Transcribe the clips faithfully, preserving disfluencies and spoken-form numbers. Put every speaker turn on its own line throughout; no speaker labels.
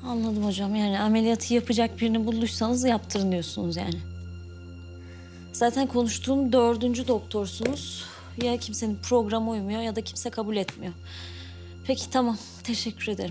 Anladım hocam. Yani ameliyatı yapacak birini bulduysanız yaptırın diyorsunuz yani. Zaten konuştuğum dördüncü doktorsunuz. Ya kimsenin programı uymuyor ya da kimse kabul etmiyor. Peki tamam. Teşekkür ederim.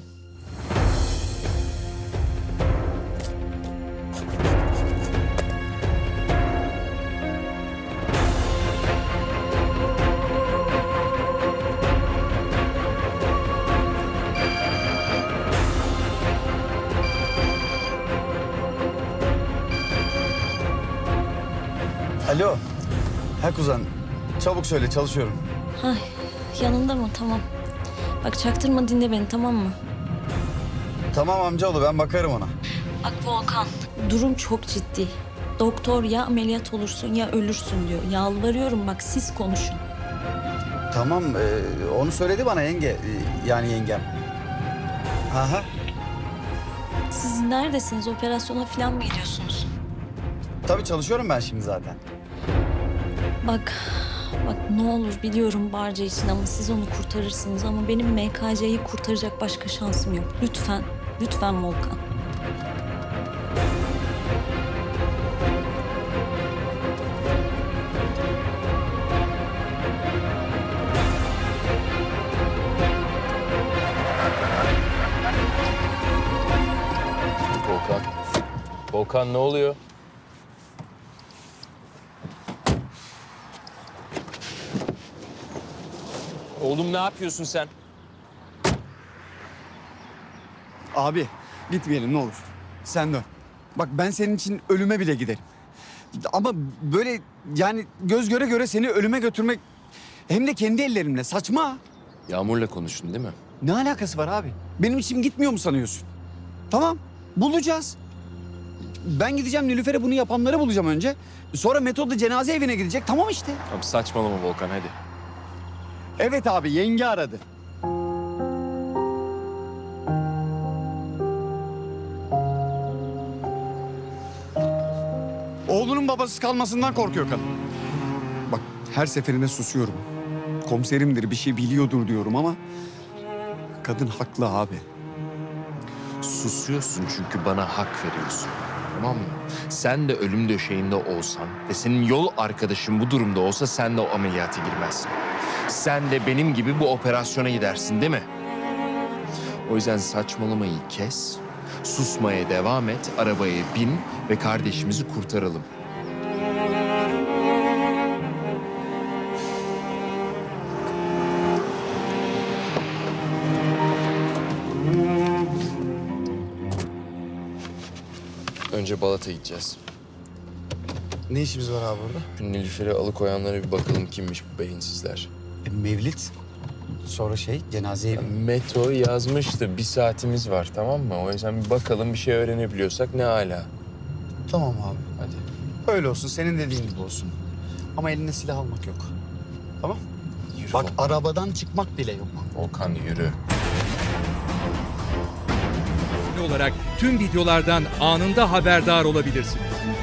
Alo. Ha kuzen. Çabuk söyle, çalışıyorum.
Ay, yanında mı? Tamam. Bak çaktırma, dinle beni, tamam mı?
Tamam amcaoğlu, ben bakarım ona.
Bak Volkan, durum çok ciddi. Doktor ya ameliyat olursun ya ölürsün diyor. Yalvarıyorum bak, siz konuşun.
Tamam, e, onu söyledi bana yenge. e, yani yengem. Aha.
Siz neredesiniz? Operasyona falan mı gidiyorsunuz?
Tabii çalışıyorum ben şimdi zaten.
Bak, bak ne olur biliyorum Barca için ama siz onu kurtarırsınız. Ama benim M K C'yi kurtaracak başka şansım yok. Lütfen, lütfen Volkan.
Volkan. Volkan ne oluyor? Oğlum ne yapıyorsun sen?
Abi, gitmeyelim ne olur. Sen dön. Bak ben senin için ölüme bile giderim. Ama böyle yani göz göre göre seni ölüme götürmek... Hem de kendi ellerimle, saçma.
Yağmur'la konuştun değil mi?
Ne alakası var abi? Benim içim gitmiyor mu sanıyorsun? Tamam, bulacağız. Ben gideceğim Nilüfer'e bunu yapanları bulacağım önce. Sonra Metod da cenaze evine gidecek. Tamam işte.
Abi saçmalama Volkan hadi.
Evet abi, yenge aradı. Oğlunun babasız kalmasından korkuyor kadın. Bak her seferinde susuyorum. Komiserimdir, bir şey biliyordur diyorum ama... kadın haklı abi.
Susuyorsun çünkü bana hak veriyorsun. Tamam mı? Sen de ölüm döşeğinde olsan ve senin yol arkadaşın bu durumda olsa sen de o ameliyata girmezsin. Sen de benim gibi bu operasyona gidersin değil mi? O yüzden saçmalamayı kes, susmaya devam et, arabaya bin ve kardeşimizi kurtaralım. Önce Balat'a gideceğiz.
Ne işimiz var abi burada?
Şu Nilüfer'i alıkoyanlara bir bakalım kimmiş bu beyinsizler.
E, Mevlit. Sonra şey, cenaze evi.
Meto yazmıştı. Bir saatimiz var tamam mı? O yüzden bir bakalım bir şey öğrenebiliyorsak ne hala.
Tamam abi.
Hadi.
Öyle olsun, senin dediğin gibi olsun. Ama eline silah almak yok. Tamam?
Yürü
Bak
Volkan.
arabadan çıkmak bile yok.
Volkan yürü.
olarak tüm videolardan anında haberdar olabilirsiniz.